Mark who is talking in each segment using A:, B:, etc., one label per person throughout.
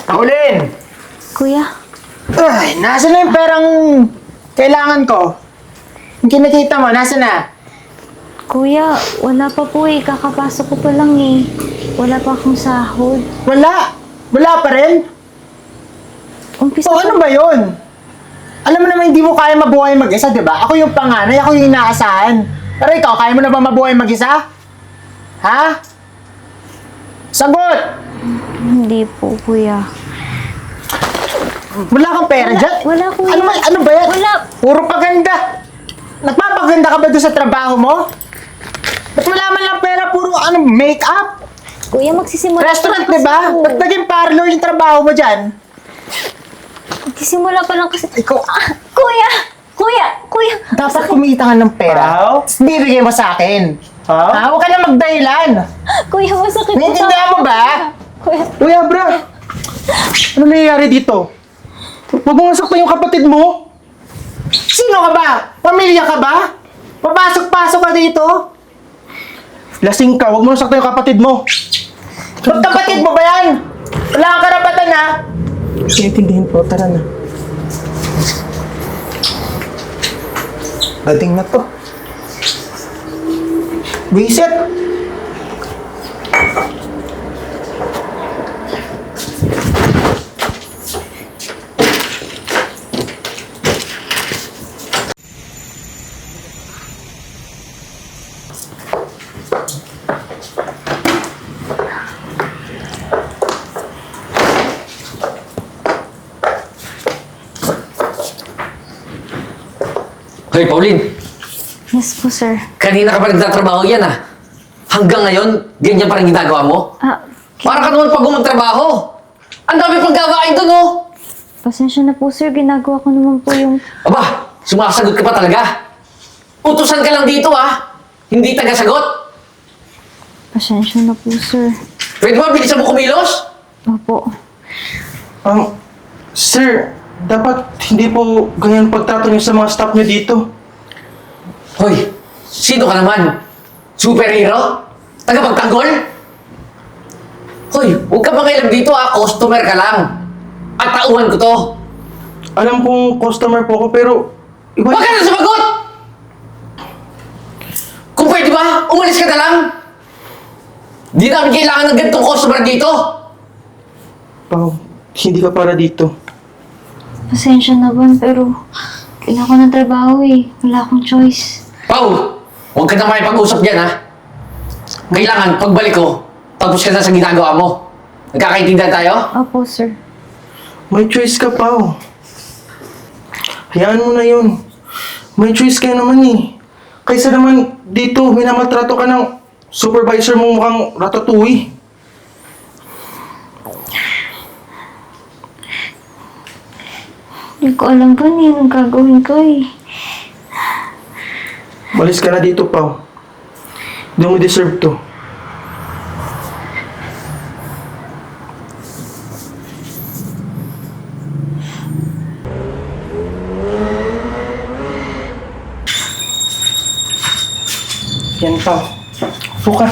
A: Pauline!
B: Kuya,
A: Ay, nasa na yung perang kailangan ko? Yung kinikita mo, nasa na?
B: kuya, wala pa po eh. Kakapasok ko pa lang eh. Wala pa akong sahod.
A: Wala! Wala pa rin?
B: Umpisa
A: O ano ba yun? Alam mo naman hindi mo kaya mabuhay mag-isa, di ba? Ako yung panganay, ako yung inaasahan. Pero ikaw, kaya mo na ba mabuhay mag-isa? Ha? Sagot!
B: Hindi po, kuya.
A: Wala kang pera dyan?
B: Wala, kuya.
A: Ano ba yan?
B: Wala.
A: Puro paganda. Nagpapaganda ka ba doon sa trabaho mo? Ba't wala man lang pera? Puro make-up?
B: Kuya, magsisimula
A: Restaurant,
B: pa lang
A: di ba?
B: kasi ako.
A: Ba't naging parlor yung trabaho mo dyan?
B: Magsisimula pa lang kasi.
A: Ikaw,
B: Kuya! Kuya! Kuya!
A: dapat kumita ka ng pera.
C: Pao?
A: Tapos bibigay mo sa akin.
C: Pao?
A: Ha? Huwag ka na magdahilan.
B: Kuya, masakit po.
A: Naiintindihan mo ba?
B: Kuya,
C: Kuya, bra! Ano nangyayari dito? Huwag mo nga saktan yung kapatid mo!
A: Sino ka ba? Pamilya ka ba? Papasok-pasok ka dito?
C: Lasing ka, huwag mo nga saktan yung kapatid mo!
A: Ba't kapatid mo ba yan? Wala kang karapatan ha?
C: Intindihin po, tara na.
A: Dating na to. Visit!
D: Hoy, Pauline!
B: yes po, sir.
D: Kanina ka pa nagtatrabaho yan ah. Hanggang ngayon, ganyan pa rin ginagawa mo? Para ka naman pag magtrabaho. Ang dami pang gawain doon oh!
B: Pasensya na po, sir. Ginagawa ko naman po yung...
D: Aba, sumasagot ka pa talaga. Utusan ka lang dito ah. Hindi taga-sagot.
B: Pasensya na po, sir.
D: Pwede ba bilisan mo kumilos?
B: Opo.
C: Sir, dapat hindi po ganyan pagtrato niyo sa mga staff niyo dito.
D: Hoy, sino ka naman? Superhero? Tagapagtanggol? Hoy, huwag ka mangialam dito ah. Customer ka lang. At tauhan ko to.
C: Alam kong customer po ako, pero...
D: Huwag ka na sumagot! Kung pwede ba, umalis ka na lang. Di namin kailangan ng ganitong customer dito.
C: Pao, hindi ka para dito.
B: Pasensya na ba, pero... Kailangan ko ng trabaho eh. Wala akong choice.
D: Pao, huwag ka na makipag-usap dyan ha. Kailangan, pagbalik ko, tapos ka na sa ginagawa mo. Nagkakaintindihan tayo?
B: Opo, sir.
C: May choice ka, Pao. Hayaan mo na yun. May choice ka naman eh. Kaysa naman dito, minamaltrato ka ng supervisor mong mukhang ratatouille.
B: Hindi ko alam pa anong gagawin ko eh.
C: Malis ka na dito, Pao. Hindi mo deserve to. Yan, Pao. Upo ka.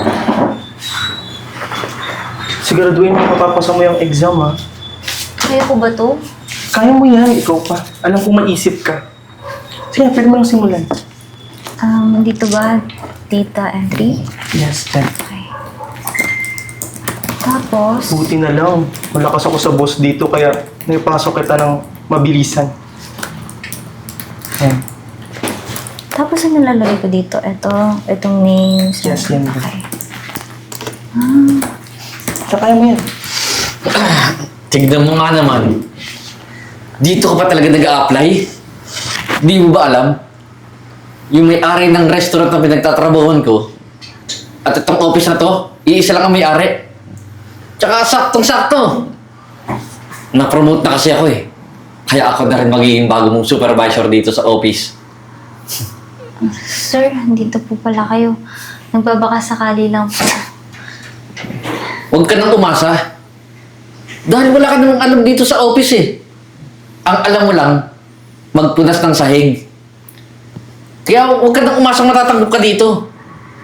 C: Siguraduhin mo mapapasa mo yung exam, ha?
B: Kaya ko ba to?
C: Kaya mo yan, ikaw pa. Alam kong maisip ka. Sige, pwede mo lang simulan.
B: Dito ba? Data entry?
C: Yes, dyan.
B: Okay. Tapos,
C: Buti na lang. Malakas ako sa boss dito, kaya naipasok kita ng mabilisan. Yan.
B: tapos ano lalagay ko dito? Itong names.
C: Yes, yan.
B: Okay.
C: Kaya mo yan.
D: Tignan mo nga naman. Dito ka pa talaga nag-a-apply? Di mo ba alam? Yung may-ari ng restaurant na pinagtatrabahoan ko, at itong office na to, iisa lang ang may-ari. Tsaka saktong-sakto. Na-promote na kasi ako eh. Kaya ako na rin magiging bago mong supervisor dito sa office.
B: Sir, dito po pala kayo. Nagbabaka sakali lang po.
D: Huwag ka nang umasa. Dahil wala ka namang alam dito sa office eh. Ang alam mo lang, magpunas ng sahig. Kaya huwag ka nang umasang matatanggap ka dito.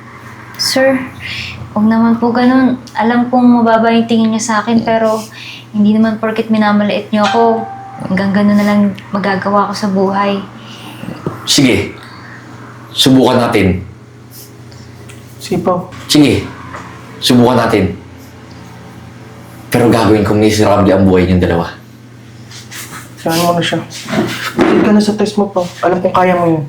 B: Sir, huwag naman po ganun. Alam kong mababa yung tingin niya sa akin, pero Hindi naman porket minamaliit niyo ako, hanggang gano'n na lang magagawa ko sa buhay.
D: Sige. Subukan natin.
C: Sige, Pao.
D: Sige. Subukan natin. Pero gagawin kong miserable ang buhay niyong dalawa.
C: Saan mo na siya? Hindi ka na sa test mo, Pao. Alam kong kaya mo yun.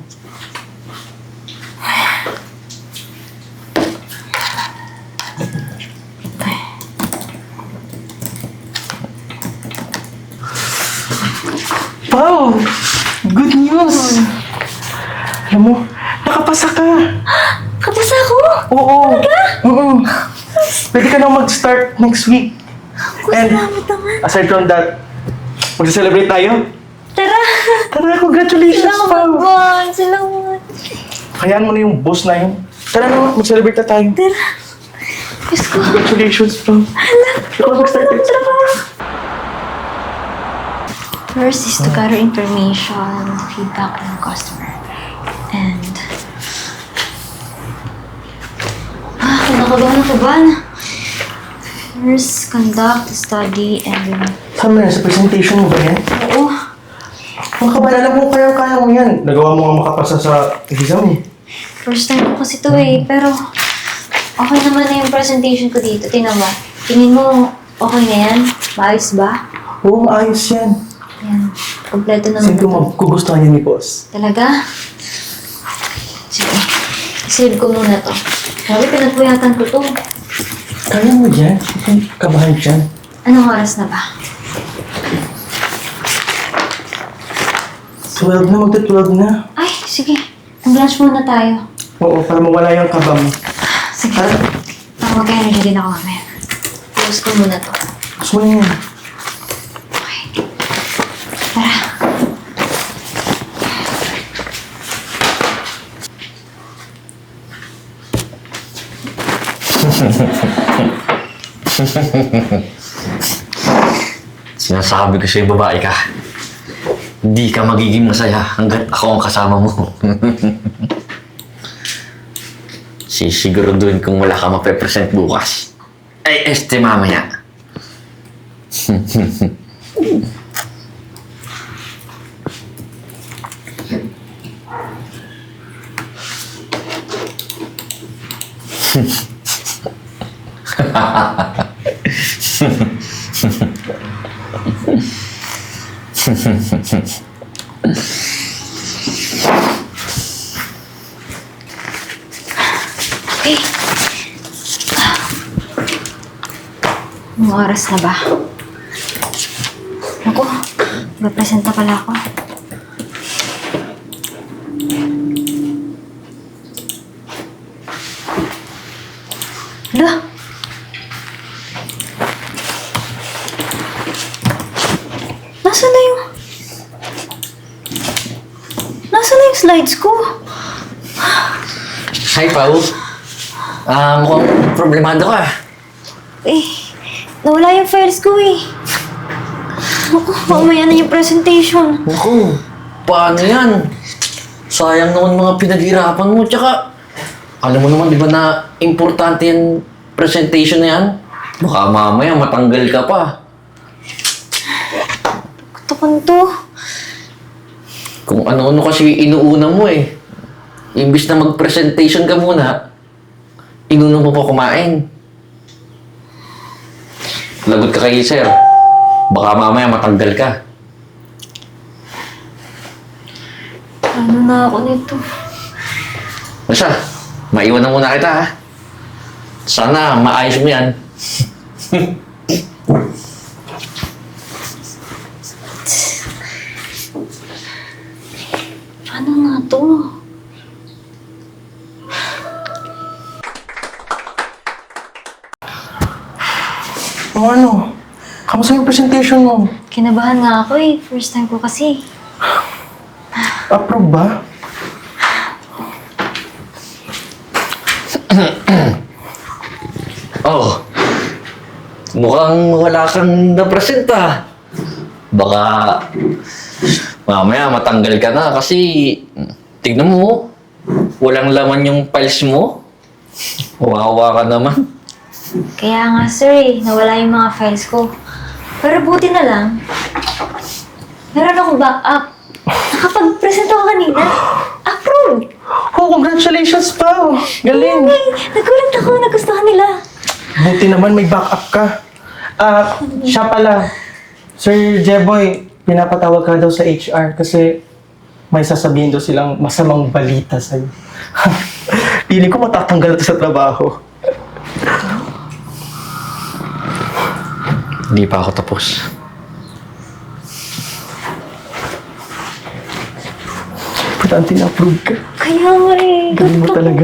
C: Pao! Good news! Alam mo, nakapasa ka!
B: Kapasa ako?
C: Oo! Oo! Pwede ka na mag-start next week. And
B: Salamat naman.
C: aside from that, magsa-celebrate tayo?
B: Tara!
C: Tara, congratulations,
B: Salamat,
C: Pao!
B: Bon! Salamat!
C: Hayaan mo na yung boss na yun. Tara na, mag-celebrate na tayo.
B: Tara! Diyos ko!
C: Congratulations, Pao. Ikaw mag-start next week.
B: First is to gather information, feedback ng customer. And... kinakabahan ako ba? First, conduct, study, and...
C: Saan mo yan? Sa presentation mo ba yan?
B: Oo.
C: Mga kabal, alam mo kaya mo yan. Nagawa mo nga makapasa sa exam eh.
B: First time ko kasi to eh, pero... okay naman na yung presentation ko dito. Tingnan mo. Tingin mo, okay na yan? Maayos ba?
C: Oo, maayos yan.
B: Yan. Kompleto naman
C: Siyempre
B: ito.
C: magugustuhan yan ni boss.
B: Talaga? Sige. Save ko muna to. Sabi, pinagpuyatan ko to.
C: Kaya mo yan? Huwag kang kabahan dyan.
B: Anong oras na ba?
C: 12 na, magta-12 na.
B: Ay, sige. Mag-lunch muna tayo.
C: Oo, para mawala yung kaba mo.
B: Sige.
C: Tara.
B: Mag-energy din ako mamaya. Close ko muna to.
C: Gusto mo yan.
B: Tara.
D: Sinasabi ko sa'yo, babae ka. Hindi ka magiging masaya hanggat ako ang kasama mo. Sisiguraduhin kung wala ka mape-present bukas. Ay, mamaya.
B: Okay. Anong oras na ba? Naku, mag-present na pala ako. Hala? Nasaan na yung... Nasaan na yung slides ko?
D: Hi, Pao. Mukhang problemado ka.
B: Eh, nawala yung files ko eh. Naku, mamaya na yung presentation.
D: Naku, paano yan? Sayang naman mga pinaghirapan mo. Tsaka, alam mo naman, di ba na importante yung presentation na yan? Baka mamaya matanggal ka pa.
B: Kutukan to.
D: Kung ano-ano kasi inuuna mo eh. Imbis na mag-presentation ka muna, inuna mo pa kumain. Lagot ka kay sir. Baka mamaya matanggal ka.
B: Ano na ako nito?
D: Basta, maiwan na muna kita ha. Sana maayos mo yan.
B: Ano nga to?
C: O ano? Kamusta yung presentation mo?
B: Kinabahan nga ako eh. First time ko kasi.
C: Approve ba?
D: Oh, mukhang wala kang na-present ah. Baka mamaya matanggal ka na kasi tignan mo, walang laman yung files mo. Wawa ka naman.
B: Kaya nga sir eh, nawala yung mga files ko. Pero buti na lang, meron akong backup. Nakapag-present ako kanina. Approve!
C: Oh, congratulations, Pao! Galing!
B: Ay, nagulat ako, nagustuhan nila.
C: Buti naman may backup ka. Siya pala. Sir Jeboy, pinapatawag ka daw sa HR kasi may sasabihin daw silang masamang balita sa'yo. Piling ko matatanggal ito sa trabaho.
D: Hindi pa ako tapos.
C: Importante na-approve ka.
B: Kaya nga eh.
C: Galing mo
B: gusto ko.
C: talaga.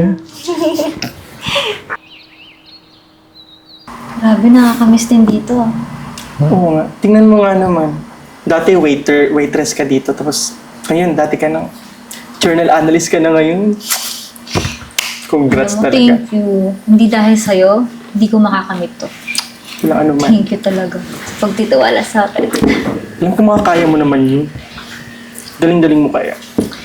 B: Grabe, nakakamiss din dito.
C: Oo nga. Tingnan mo nga naman. Dati waitress ka dito. Tapos, ngayon, dati ka ng journal analyst ka na ngayon. Congrats
B: Alam mo,
C: talaga.
B: thank you. Hindi dahil sa'yo, hindi ko makakamit to.
C: Walang ano man.
B: Thank you talaga sa pagtitiwala sa akin.
C: Alam ko makakaya mo naman yun. Galing-galing mo kaya.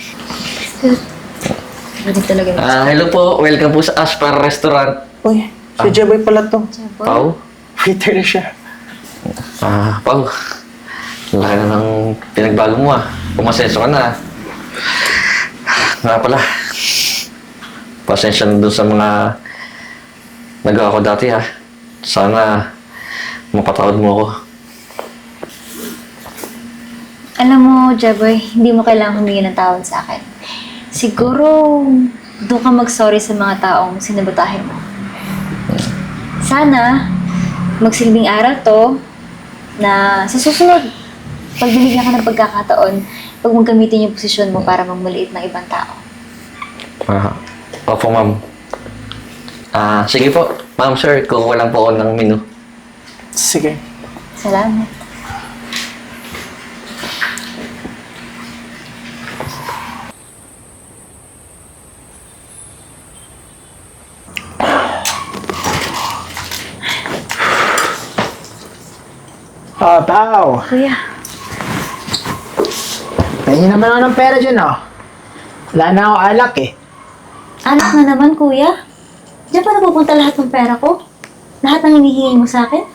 B: Hindi talaga.
D: Hello po. Welcome po sa Aspar Restaurant.
C: Uy, si Jeboy pala to.
D: Pao?
C: Waiter na siya.
D: Pao. Laki na ng pinagbago mo Pumasenso ka na. Nga pala. Pasensya na dun sa mga nagawa ko dati Sana mapatawad mo ako.
B: Alam mo, Jeboy, hindi mo kailangang humingi ng tawad sa akin. Siguro, doon ka mag-sorry sa mga taong sinabotahin mo. Sana, magsilbing aral to na sa susunod, pag binigyan ka ng pagkakataon, pag gamitin yung posisyon mo para magmaliit ng ibang tao.
D: Opo, ma'am. Sige po. Ma'am, sir, kukuha lang po ako ng menu.
C: Sige.
B: Salamat.
A: Pao.
B: Kuya,
A: Tingin naman ako ng pera dyan, Wala na ako alak, eh.
B: anak na naman, kuya. Diyan pa napupunta lahat ng pera ko? Lahat ng hinihingi mo sa akin?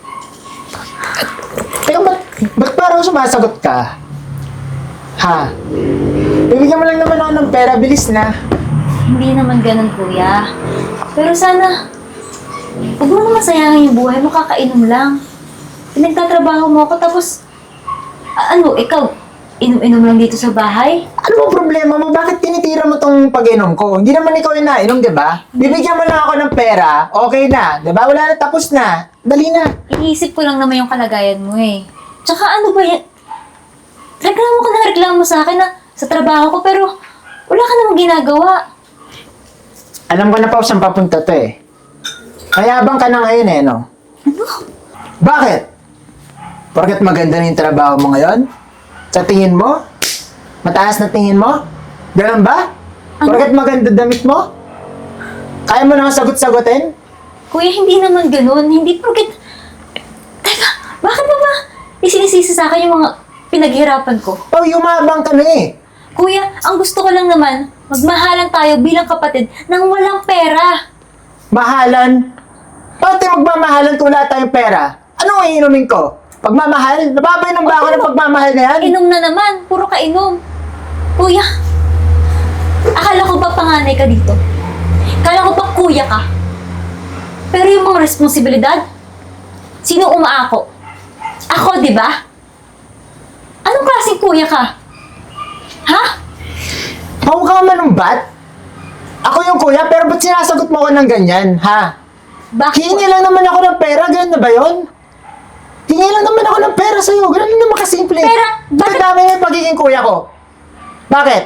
A: Teka, ba't parang sumasagot ka? Ha? Bibigyan mo lang naman ako ng pera, bilis na.
B: Hindi naman ganun, kuya. Pero sana, huwag mo naman sayangin yung buhay mo, kakainom lang. Pinagtatrabaho mo ako, tapos, ikaw, inom-inom lang dito sa bahay?
A: Ano bang problema mo? Bakit tinitira mo tong pag-inom ko? Hindi naman ikaw yung nainom, di ba? Bibigyan mo lang ako ng pera, okay na. Di ba? Wala na, tapos na. Dali na.
B: Iniisip ko lang naman yung kalagayan mo eh. Tsaka ano ba yan? Reklamo ka na reklamo sa akin na sa trabaho ko, pero wala ka namang ginagawa.
A: Alam ko na pa saan papunta to eh. Mayabang ka na ngayon eh, no?
B: Ano?
A: Bakit? Porket maganda na yung trabaho mo ngayon? Sa tingin mo? Mataas na tingin mo? Ganun ba? Porket maganda damit mo? Kaya mo na akong sagot-sagutin?
B: Kuya, hindi naman ganun. Hindi porket... Teka, bakit mo ba isinisisi sa akin yung mga pinaghirapan ko?
A: Oh, yumabang ka na eh.
B: Kuya, ang gusto ko lang naman, magmahalan tayo bilang kapatid nang walang pera.
A: Mahalan? Bakit tayo magmamahalan kung wala tayong pera? Ano ang iinumin ko? Pagmamahal? Nababainom ba ako ng pagmamahal na yan?
B: Inom na naman, puro ka inom. Kuya, akala ko ba panganay ka dito? Akala ko ba kuya ka? Pero yung mga responsibilidad, sino umaako? Ako, di ba? Anong klaseng kuya ka? Ha?
A: Mukha ka manumbat? Ako yung kuya, pero ba't sinasagot mo ako ng ganyan, ha?
B: Bakit?
A: Hingi lang naman ako ng pera, ganun na ba yun? Hingi lang naman ako ng pera sa'yo, ganun lang naman kasimple.
B: Pera? Bakit?
A: Bakit dami mo yung pagiging kuya ko? Bakit?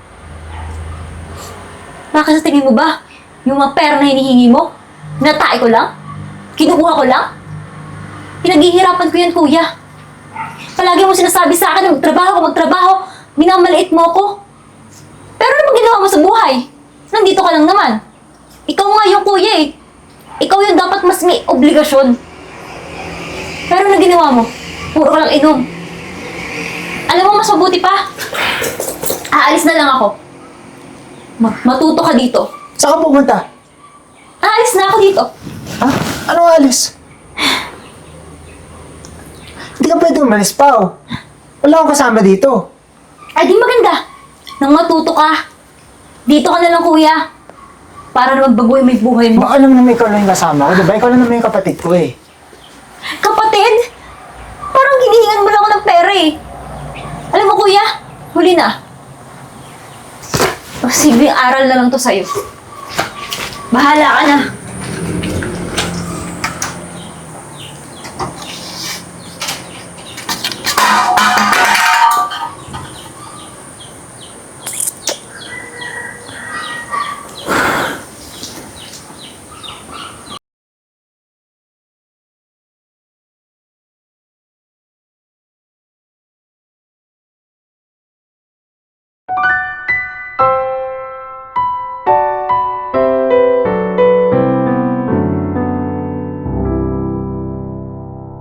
B: Bakit sa tingin mo ba? Yung mga pera na hinihingi mo? Natay ko lang? Kinukuha ko lang? Pinaghihirapan ko yan, kuya. Palagi mo sinasabi sa akin na magtrabaho. Minamaliit mo ako. Pero ano bang ginawa mo sa buhay? Nandito ka lang naman. Ikaw nga yung kuya eh. Ikaw yung dapat mas may obligasyon. Pero ano ginawa mo? Puro ka lang inom. Alam mo, mas mabuti pa. Aalis na lang ako. Matuto ka dito.
A: Saan ka pupunta?
B: Aalis na ako dito.
A: Ha? Anong alis? Hindi ka pwede umalis, Pao. Wala akong kasama dito.
B: Ay, di maganda. Nang matuto ka. Dito ka na lang, kuya. Para na magbago yung may buhay mo.
A: Baka alam naman ikaw lang yung kasama ko, diba? Ikaw lang naman yung kapatid ko eh.
B: Kapatid? Parang hinihingan mo lang ako ng pera eh. Alam mo, kuya, huli na. Simpleng aral na lang to sa'yo. Bahala ka na.